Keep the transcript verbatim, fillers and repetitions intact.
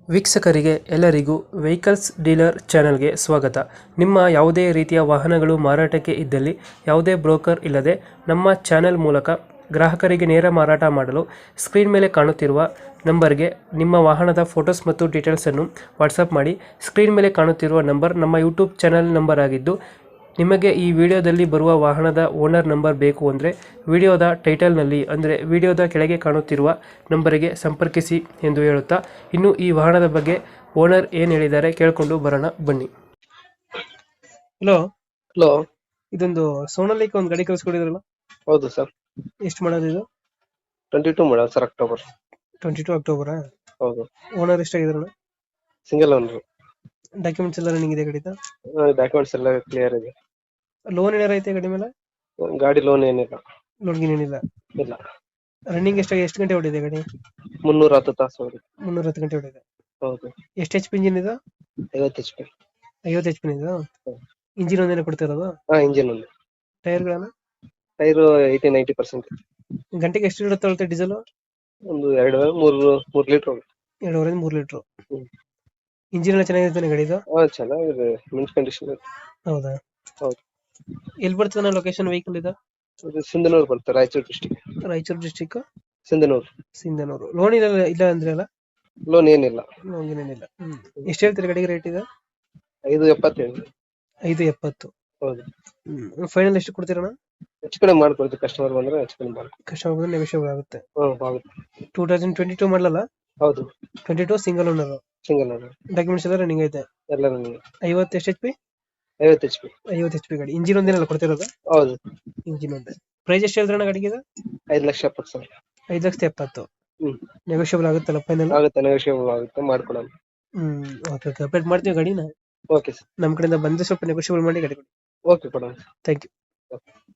ವೀಕ್ಷಕರಿಗೆ ಎಲ್ಲರಿಗೂ vehicles dealer ಚಾನೆಲ್ಗೆ ಸ್ವಾಗತ. ನಿಮ್ಮ ಯಾವುದೇ ರೀತಿಯ ವಾಹನಗಳು ಮಾರಾಟಕ್ಕೆ ಇದ್ದಲ್ಲಿ ಯಾವುದೇ ಬ್ರೋಕರ್ ಇಲ್ಲದೆ ನಮ್ಮ ಚಾನೆಲ್ ಮೂಲಕ ಗ್ರಾಹಕರಿಗೆ ನೇರ ಮಾರಾಟ ಮಾಡಲು ಸ್ಕ್ರೀನ್ ಮೇಲೆ ಕಾಣುತ್ತಿರುವ ನಂಬರ್ಗೆ ನಿಮ್ಮ ವಾಹನದ ಫೋಟೋಸ್ ಮತ್ತು ಡೀಟೇಲ್ಸನ್ನು ವಾಟ್ಸಪ್ ಮಾಡಿ. ಸ್ಕ್ರೀನ್ ಮೇಲೆ ಕಾಣುತ್ತಿರುವ ನಂಬರ್ ನಮ್ಮ ಯೂಟ್ಯೂಬ್ ಚಾನೆಲ್ ನಂಬರ್ ಆಗಿದ್ದು, ನಿಮಗೆ ಈ ವಿಡಿಯೋದಲ್ಲಿ ಬರುವ ವಾಹನದ ಓನರ್ ನಂಬರ್ ಬೇಕು ಅಂದರೆ ವಿಡಿಯೋದ ಟೈಟಲ್ನಲ್ಲಿ ಅಂದರೆ ವಿಡಿಯೋದ ಕೆಳಗೆ ಕಾಣುತ್ತಿರುವ ನಂಬರಿಗೆ ಸಂಪರ್ಕಿಸಿ ಎಂದು ಹೇಳುತ್ತಾ, ಇನ್ನು ಈ ವಾಹನದ ಬಗ್ಗೆ ಓನರ್ ಏನು ಹೇಳಿದ್ದಾರೆ ಕೇಳಿಕೊಂಡು ಬರೋಣ ಬನ್ನಿ. Hello hello. ಇದೊಂದು ಸೋನಾಲಿಕ ಒಂದು ಗಾಡಿ ಕಳಿಸ್ಕೊಡಿದ್ರಲ್ಲ, ಹೌದು ಸರ್. ಎಷ್ಟು ಮಾಡೋದು ಇದು? Twenty two model sir, October. Twenty two ಅಕ್ಟೋಬರಾ? ಹೌದು. ಓನರ್ ಎಷ್ಟಾಗಿದ್ರಲ್ಲ? Single owner. ಡಾಕ್ಯುಮೆಂಟ್ಸ್ ಎಲ್ಲ ರನ್ನಿಂಗ್ ಇದೆ ಗಾಡಿದ? ಡಾಕ್ಯುಮೆಂಟ್ಸ್ ಎಲ್ಲ ಕ್ಲಿಯರ್ ಇದೆ. ಲೋನ್ ಏನಾರ ಐತೆ ಗಾಡಿ ಮೇಲೆ? ಗಾಡಿ ಲೋನ್ ಏನಿಲ್ಲ. ಲೋನ್ ಗೀನ್ ಏನಿಲ್ಲ? ಇಲ್ಲ. ರನ್ನಿಂಗ್ ಎಷ್ಟಾಗಿ ಎಷ್ಟು ಗಂಟೆ ಹೊಡಿದೆ ಗಾಡಿ? ಮುನ್ನೂರ ಹತ್ತು ತಾಸು ಹೋಗಿದೆ. ಮುನ್ನೂರ ಹತ್ತು ಗಂಟೆ ಹೊಡಿದೆ. ಹೌದು. ಎಷ್ಟು ಎಚ್ ಪಿ ಇಂಜಿನ್ ಇದು? ಐವತ್ತು ಎಚ್ ಪಿ. ಐವತ್ತು ಎಚ್ ಪಿ ಇದು? ಇಂಜಿನ್ ಒಂದೇನೆ ಕೊಡ್ತಿರೋದು? ಹಾ, ಇಂಜಿನ್ ಒಂದು. ಟೈರ್ಗಳನ್ನ? Tyre eighty ninety percent. ಗಂಟೆಗೆ ಎಷ್ಟು ಲೀಟರ್ ತಗೊಳುತ್ತೆ ಡೀಸೆಲ್? ಒಂದು ಎರಡು ಮೂರು ಮೂರು ಲೀಟರ್ ಹೋಗುತ್ತೆ. ಎರಡೂವರೆಯಿಂದ ಮೂರು ಲೀಟರ್. ಹ್ಮ್. ಇಂಜಿನ್ ಎಲ್ಲ ಚೆನ್ನಾಗಿರ್ತಾನೆ ಗಾಡಿದು? ಹಾ, ಚೆನ್ನಾಗಿದೆ. Mint condition. ಹೌದಾ? ಹೌದು. ಎಲ್ಲಿ ಬರ್ತದೆ ಲೊಕೇಶನ್ ವೆಹಿಕಲ್ ಇದು? ಇದು ಸಿಂಧನೂರು ಬರುತ್ತೆ, Raichur district. Raichur district Sindhanur. Sindhanur. Loan ಇಲ್ಲ ಇಲ್ಲ ಅಂದ್ರೆ ಅಲ್ಲ? ಲೋನ್ ಏನಿಲ್ಲ. ಲೋನ್ ಏನಿಲ್ಲ. ಹ್ಮ್. ಎಷ್ಟು ಹೇಳ್ತೀರಿ ಗಾಡಿಗೆ ರೇಟ್ ಇದೆ? ಐದು ಎಪ್ಪತ್ತೇಳು. ಐದು ಎಪ್ಪತ್ತು. ಹೌದು. ಹ್ಮ್. ಫೈನಲ್ ಎಷ್ಟು ಕೊಡ್ತೀರಣ್ಣ? ಹೆಚ್ಚು ಕಡಿಮೆ ಮಾಡ್ಕೊಡ್ತೀವಿ. ಕಸ್ಟಮರ್ ಬಂದ್ರೆ ಹೆಚ್ಚು ಕಡಿಮೆ ಮಾಡ್ಕೊಡ್ತೀವಿ. ಕಸ್ಟಮರ್ ಬಂದ್ರೆ ನೆಗೋಷಿಯಬಲ್ ಆಗುತ್ತೆ. ಹ್ಮ್, ಆಗುತ್ತೆ. ಟೂ ತೌಸಂಡ್ ಟ್ವೆಂಟಿ ಟೂ ಮಾಡಲಲ್ಲ? ಹೌದು. Twenty two single owner. Single owner. Documents ಎಲ್ಲ ರನ್ನಿಂಗ್ ಐತೆ? ಎಲ್ಲ ನನಗೆ. ಐವತ್ತು ಎಷ್ಟು ಎಚ್ ಪಿ? ಐವತ್ತು ಎಚ್ ಪಿ. ಐವತ್ತು ಎಚ್ ಪಿ ಗಾಡಿ. ಇಂಜಿನ್ ಒಂದೇನಲ್ಲ ಕೊಡ್ತಿರೋದು? ಹೌದು. ಇಂಜಿನ್ ಒಂದೇ. ಪ್ರೈಸ್ ಎಷ್ಟು ಹೇಳ್ತಾರಣ್ಣ ಗಾಡಿಗೆ ಇದು? ಐದು ಲಕ್ಷ ಎಪ್ಪತ್ತು ಸಾವಿರ. ಐದು ಲಕ್ಷದ ಎಪ್ಪತ್ತು. ಹ್ಮ್. ನೆಗೋಷಿಯಬಲ್ ಆಗುತ್ತಲ್ಲ ಫೈನಲ್? ಆಗುತ್ತೆ, ನೆಗೋಷಿಯಬಲ್ ಆಗುತ್ತೆ, ಮಾಡ್ಕೊಡೋಣ. ಹ್ಮ್. ಓಕೆ ಓಕೆ, ಅಪ್ಡೇಟ್ ಮಾಡ್ತೀವಿ ಗಾಡಿನ. Okay sir. ನಮ್ಮ ಕಡೆಯಿಂದ ಬಂದು ಸ್ವಲ್ಪ ನೆಗೋಷಿಯಬಲ್ ಮಾಡಿ ಗಾಡಿ ಕೊಡಿ. ಓಕೆ, ಕೊಡೋಣ. Thank you.